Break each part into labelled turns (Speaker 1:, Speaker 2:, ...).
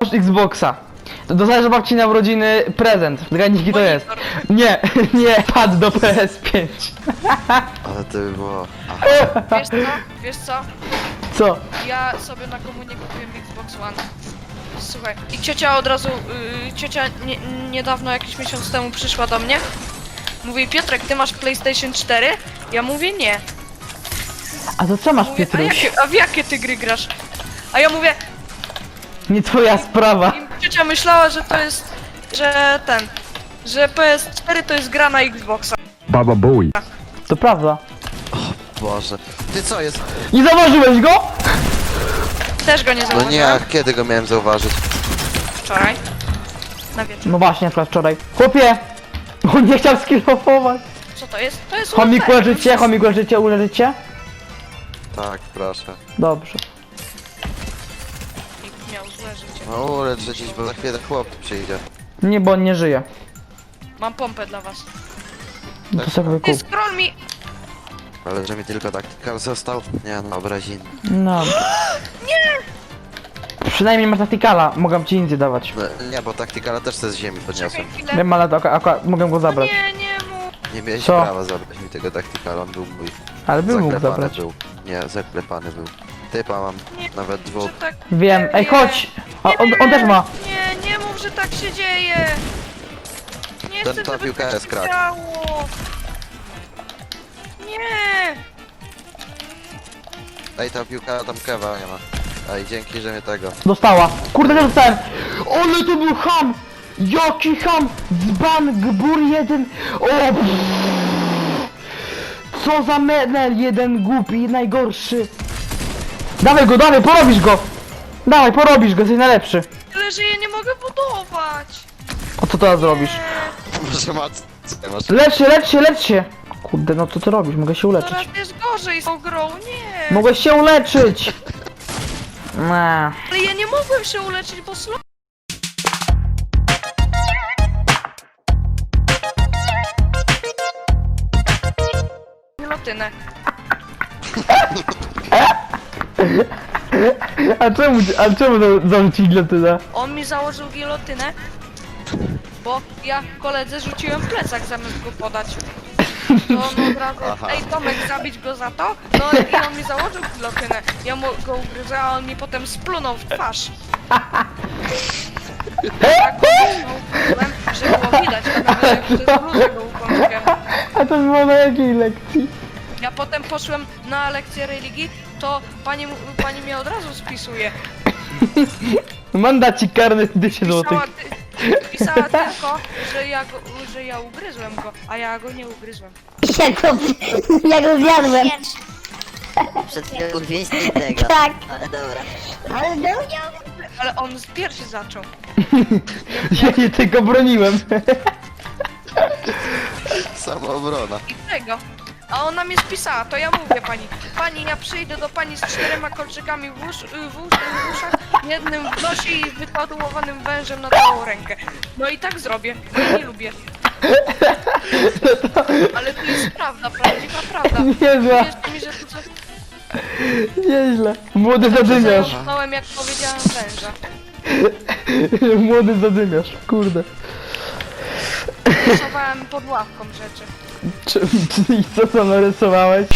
Speaker 1: Masz Xboxa. Dostajesz babci na urodziny prezent. Zgadnij jaki to jest. Nie, nie, pad do PS5.
Speaker 2: Ale to by było...
Speaker 3: Wiesz co? Wiesz co?
Speaker 1: Co?
Speaker 3: Ja sobie na komunię kupiłem Xbox One. Słuchaj, i ciocia od razu, ciocia niedawno, jakiś miesiąc temu przyszła do mnie. Mówi, Piotrek, ty masz PlayStation 4? Ja mówię, nie.
Speaker 1: A to co masz,
Speaker 3: Mówię,
Speaker 1: Piotruś?
Speaker 3: a w jakie ty gry grasz? A ja mówię,
Speaker 1: Nie twoja sprawa.
Speaker 3: i ciocia myślała, że to jest, że PS4 to jest gra na Xboxa.
Speaker 4: Baba Bowie.
Speaker 1: To prawda.
Speaker 2: Boże. Ty co jest?
Speaker 1: Nie zauważyłeś go?
Speaker 3: Też go nie
Speaker 2: No
Speaker 3: zauważyłem.
Speaker 2: nie, a kiedy go miałem zauważyć?
Speaker 3: Wczoraj. Na wieczór.
Speaker 1: No właśnie, akurat wczoraj. Chłopie! On nie chciał skillofować.
Speaker 3: Co to jest? To jest
Speaker 1: Chomik
Speaker 3: ULP.
Speaker 1: leżycie, chomik leżycie, uleżycie?
Speaker 2: Tak, proszę.
Speaker 1: Dobrze.
Speaker 3: Nikt miał złe życie.
Speaker 2: No ulecz gdzieś, bo za chwilę chłop przyjdzie.
Speaker 1: Nie, bo on nie żyje.
Speaker 3: Mam pompę dla was.
Speaker 1: To sobie
Speaker 3: Ty
Speaker 1: kup.
Speaker 3: scroll mi...
Speaker 2: Ale że mi tylko taktikal został? Nie no, obrazin.
Speaker 1: No. Przynajmniej masz taktikala, mogę ci nic nie dawać.
Speaker 2: No, nie, bo taktikala też se z ziemi
Speaker 3: Czekaj
Speaker 2: podniosłem.
Speaker 3: chwilę.
Speaker 1: Wiem, ale to akurat mogę go zabrać.
Speaker 3: Nie, nie mów.
Speaker 2: Nie miałeś
Speaker 1: Co?
Speaker 2: prawa zabrać mi tego taktikala, on był mój.
Speaker 1: Ale bym mógł
Speaker 2: Zaklepany
Speaker 1: zabrać.
Speaker 2: był. Nie, zaklepany był. Typa mam,
Speaker 3: Nie,
Speaker 2: nawet dwóch.
Speaker 3: Że tak...
Speaker 1: Wiem, ej
Speaker 3: Nie.
Speaker 1: chodź! A on też ma.
Speaker 3: Nie, nie mów, że tak się dzieje. Nie
Speaker 2: Ten
Speaker 3: chcę,
Speaker 2: ta
Speaker 3: żeby
Speaker 2: piłka
Speaker 3: tak
Speaker 2: jest
Speaker 3: się
Speaker 2: krak.
Speaker 3: działo. Nie.
Speaker 2: Ej, ta piłka tam kewa nie ma. Ej, dzięki, że mnie tego.
Speaker 1: Dostała. Kurde, nie dostałem. Ale to był ham! Jaki ham! Dzban, gbur jeden. O! Pff. Co za menel jeden głupi, najgorszy. Dawaj go, dawaj, porobisz go! Dawaj, porobisz go, jesteś najlepszy.
Speaker 3: Tyle, że ja nie mogę budować.
Speaker 1: A co teraz zrobisz?
Speaker 2: Może ma... Masz...
Speaker 1: Lecz się, lecz się, lecz się! Kurde, no co ty robisz? Mogę się uleczyć.
Speaker 3: Coraz jest gorzej z tą grą, nie.
Speaker 1: Mogę się uleczyć! Nah.
Speaker 3: Ale ja nie mogłem się uleczyć, bo slow... Gilotynę.
Speaker 1: A czemu zarzucić gilotynę?
Speaker 3: On mi założył gilotynę, bo ja koledze rzuciłem plecak zamiast go podać. To on od razu,
Speaker 2: Aha.
Speaker 3: ej Tomek, zabić go za to? No i on mi założył gilotynę. Ja mu go ugryzłem, a on mi potem splunął w twarz. Tak go uderzyłem, że było widać, że przez bluzę go ukąskiem.
Speaker 1: A to było na jakiej lekcji?
Speaker 3: Ja potem poszłem na lekcję religii, to pani mnie od razu spisuje.
Speaker 1: Mandacik karny 1000 złotych.
Speaker 3: Pisała tylko, że ja ugryzłem go, a ja go nie ugryzłem.
Speaker 5: Ja go zjadłem.
Speaker 6: Przed chwilą wieści tego.
Speaker 5: Tak.
Speaker 6: Ale dobra.
Speaker 5: Ale no,
Speaker 3: Ale on z piersi zaczął.
Speaker 1: Ja się tylko broniłem.
Speaker 2: Samoobrona.
Speaker 3: I tego. A ona mnie spisała, to ja mówię pani, ja przyjdę do pani z 4 kolczykami w uszach, jednym w nosie i wytatuowanym wężem na całą rękę. No i tak zrobię, bo ja nie lubię. Ale to jest prawda, prawdziwa prawda.
Speaker 1: Niezła,
Speaker 3: Wierzcie mi, że to co...
Speaker 1: nieźle. Młody zadymiarz.
Speaker 3: Zamknąłem, jak powiedziałem węża.
Speaker 1: Młody zadymiarz, kurde.
Speaker 3: Rysowałem pod ławką rzeczy.
Speaker 1: I co tam narysowałeś?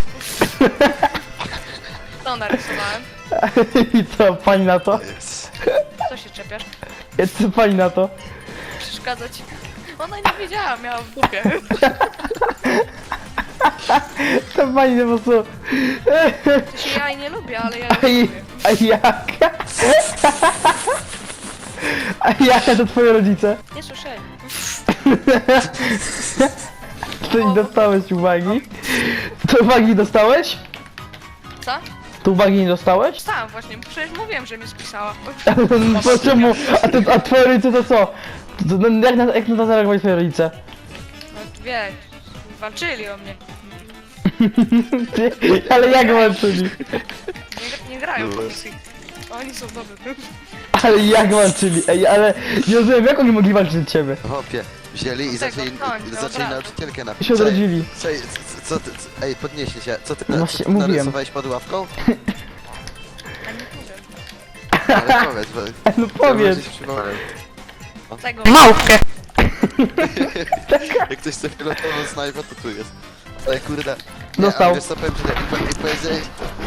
Speaker 3: To narysowałem.
Speaker 1: I co, pani na to?
Speaker 2: Jest.
Speaker 3: Co się czepiasz?
Speaker 1: Co pani na to?
Speaker 3: Przeszkadza ci. Ona nie wiedziała, miała w dupie.
Speaker 1: To pani po prostu...
Speaker 3: To się ja jej nie lubię, ale ja
Speaker 1: A,
Speaker 3: ją
Speaker 1: i,
Speaker 3: lubię.
Speaker 1: a jak? A jaka to twoje rodzice?
Speaker 3: Nie słyszeli.
Speaker 1: Czy nie dostałeś uwagi? To uwagi dostałeś?
Speaker 3: Co?
Speaker 1: To uwagi nie dostałeś?
Speaker 3: Stałam właśnie, przecież mówiłem, że mnie spisała.
Speaker 1: Po czemu? A twoje rodzice to co? Jak na to zareagowali twoje rodzice?
Speaker 3: No wiesz, walczyli o mnie.
Speaker 1: Ale jak walczyli?
Speaker 3: Nie grają w komisji. Oni są dobrzy.
Speaker 1: Ale jak walczyli? Ej, ale nie rozumiem, jak oni mogli walczyć od ciebie?
Speaker 2: Hopie, wzięli i
Speaker 3: Tego
Speaker 2: zaczęli,
Speaker 3: końca, od
Speaker 2: zaczęli
Speaker 3: razu.
Speaker 2: nauczycielkę na...
Speaker 1: Się odrodzili.
Speaker 2: Co ty... Ej, podnieście się. Co ty,
Speaker 1: No
Speaker 2: co
Speaker 1: właśnie,
Speaker 2: ty
Speaker 1: mówiłem.
Speaker 2: narysowałeś pod ławką?
Speaker 3: A nie powiem.
Speaker 2: Ale powiedz, bo...
Speaker 1: No powiedz.
Speaker 2: Ja gdzieś przywołałem.
Speaker 3: Tego.
Speaker 1: Małpkę!
Speaker 2: Jak ktoś chce pilotową snajpę, to tu jest. Ale kurde...
Speaker 1: Dostał.
Speaker 2: Ale wiesz co, powiem, że i powiedziałeś...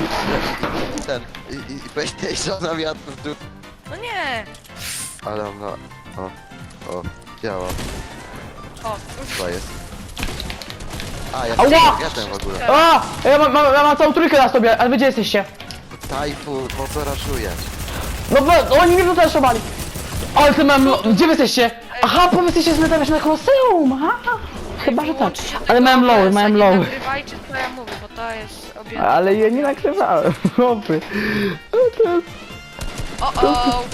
Speaker 2: I powiedziałeś, że ona miała w dół.
Speaker 3: No nie.
Speaker 2: Ale ona... O, działa.
Speaker 3: O.
Speaker 2: To jest. A, ja
Speaker 1: Ała!
Speaker 2: jestem w ogóle.
Speaker 1: A! Ja mam całą trójkę na sobie, ale wy gdzie jesteście?
Speaker 2: Tajfu, po co raszujesz?
Speaker 1: No bo oni mnie tutaj szobali. Ale ty mam... Gdzie wy jesteście? Aha, bo wy jesteście z metami na Koloseum, aha. Chyba, że tak.
Speaker 3: Wyłączcie
Speaker 1: Ale
Speaker 3: tego
Speaker 1: miałem lowy,
Speaker 3: OBS-a,
Speaker 1: miałem
Speaker 3: nie
Speaker 1: lowy.
Speaker 3: nagrywajcie co ja mówię, bo to jest objęte.
Speaker 1: Ale ja nie nakrywałem, chłopy. No to jest...
Speaker 3: O.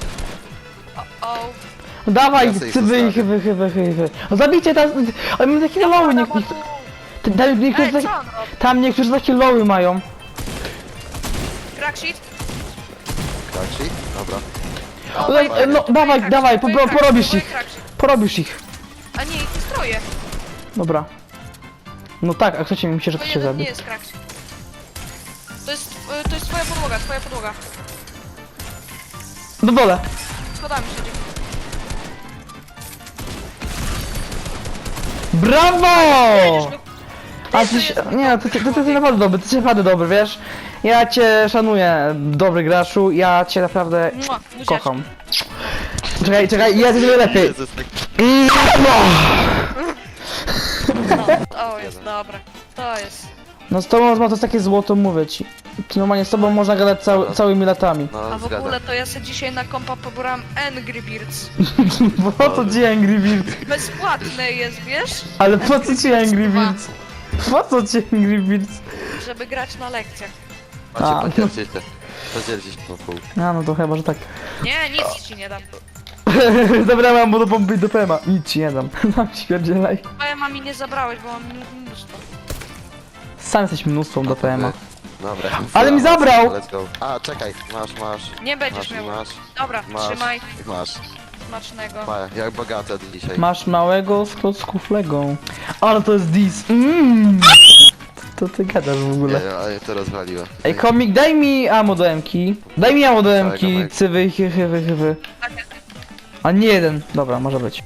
Speaker 1: Dawaj,
Speaker 2: Ja sobie ich
Speaker 1: cyby,
Speaker 2: zostawię.
Speaker 1: chyba. No zabijcie teraz, ale my takie lowy, niektórzy
Speaker 3: Ej,
Speaker 1: takie...
Speaker 3: co on robi?
Speaker 1: Tam niektórzy takie lowy mają.
Speaker 3: Cracksheet?
Speaker 2: Tak, ci? Dobra.
Speaker 1: No dawaj, porobisz ich.
Speaker 3: Cracksheet.
Speaker 1: Porobisz ich.
Speaker 3: A nie, ich stroje.
Speaker 1: Dobra. No tak, a chcecie mi się, że
Speaker 3: To
Speaker 1: to się
Speaker 3: jeden nie
Speaker 1: zabi.
Speaker 3: jest cracksheet. To jest twoja podłoga,
Speaker 1: Do dole.
Speaker 3: Schodami siedzi.
Speaker 1: Brawo! A
Speaker 3: To
Speaker 1: ty,
Speaker 3: jest
Speaker 1: nie, ty jesteś naprawdę dobry, ty jesteś naprawdę dobry, wiesz? Ja cię szanuję, dobry graczu, ja cię naprawdę
Speaker 3: Mua, buziaczki.
Speaker 1: kocham. Czekaj, ja coś lepiej.
Speaker 2: Jezus, tak...
Speaker 3: To jest dobre. To jest.
Speaker 1: No z tobą to jest takie złoto, mówię ci. Normalnie z tobą można gadać całymi latami.
Speaker 2: No,
Speaker 3: A w
Speaker 2: zgadzam.
Speaker 3: ogóle to ja sobie dzisiaj na kompa pobrałam Angry Birds.
Speaker 1: Po co ci Angry Birds?
Speaker 3: Bezpłatne jest, wiesz?
Speaker 1: Ale po co ci Angry Birds? Po co ci Angry Birds?
Speaker 3: Żeby grać na lekcjach.
Speaker 1: A,
Speaker 2: Macie podzielcie. Podzielcie się po pół.
Speaker 1: A no to chyba, że tak.
Speaker 3: Nie, nic ci nie dam.
Speaker 1: Dobra, mam do pompy do PM-a. Nic ci nie dam. Mam śmierdzielaj.
Speaker 3: PMA mi nie zabrałeś, bo mam mnóstwo.
Speaker 1: Sam jesteś mnóstwą do PM-a.
Speaker 2: Dobra.
Speaker 1: Ale mi zabrał!
Speaker 2: Let's go. A, czekaj, masz.
Speaker 3: Nie będziesz miał.
Speaker 2: Masz.
Speaker 3: Dobra, trzymaj.
Speaker 2: Masz.
Speaker 3: Smacznego.
Speaker 2: Jak bogate dzisiaj.
Speaker 1: Masz małego z klocków Lego. Ale to jest dis. To ty gadasz w ogóle.
Speaker 2: Nie, ale to rozwaliło.
Speaker 1: Ej, komik, daj mi ammo do M-ki. Daj mi ammo do M-ki,
Speaker 2: Dawaj.
Speaker 1: cywy, hywy. A nie jeden. Dobra, może być.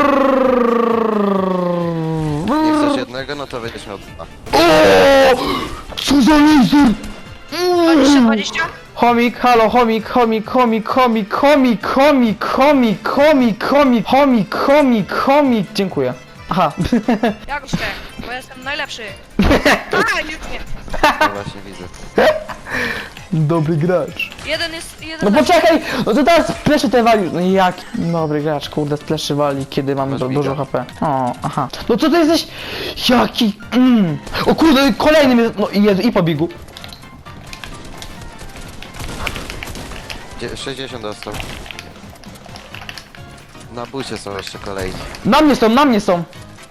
Speaker 2: Nie chcesz jednego, no to będziesz miał dwa.
Speaker 1: Co za laser!
Speaker 3: 20?
Speaker 1: Chomik, halo, chomik, dziękuję. Aha.
Speaker 3: Jakoś tak, bo jestem najlepszy. A, już nie.
Speaker 2: No właśnie widzę.
Speaker 1: Dobry gracz.
Speaker 3: Jeden jest, jeden
Speaker 1: No
Speaker 3: lepszy.
Speaker 1: poczekaj, no to teraz spleszy te wali. No jak? Dobry gracz, kurde, spleszy wali, kiedy mamy
Speaker 2: Masz
Speaker 1: dużo
Speaker 2: mida.
Speaker 1: HP. O, aha. No co ty jesteś? Jaki? O kurde, kolejny mnie. No i pobiegł.
Speaker 2: 60 dostał. Na bucie są jeszcze kolejni.
Speaker 1: Na mnie są.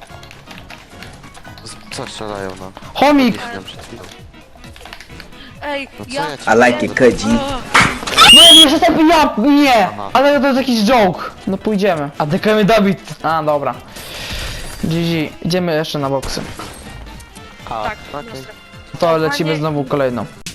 Speaker 2: Co strzelają, no?
Speaker 1: Chomik.
Speaker 2: Nie śmiałem przed chwilą.
Speaker 3: Ej,
Speaker 2: No co
Speaker 3: ja...
Speaker 2: ja ci
Speaker 4: I like it, Koji.
Speaker 1: No jak jeszcze ten ja, nie.
Speaker 2: Aha.
Speaker 1: Ale to jest jakiś joke. No pójdziemy. A dekamy Dawid. A, dobra. GG. Idziemy jeszcze na boksy.
Speaker 2: A,
Speaker 3: Tak,
Speaker 2: okej.
Speaker 3: dostęp.
Speaker 1: To lecimy znowu kolejną.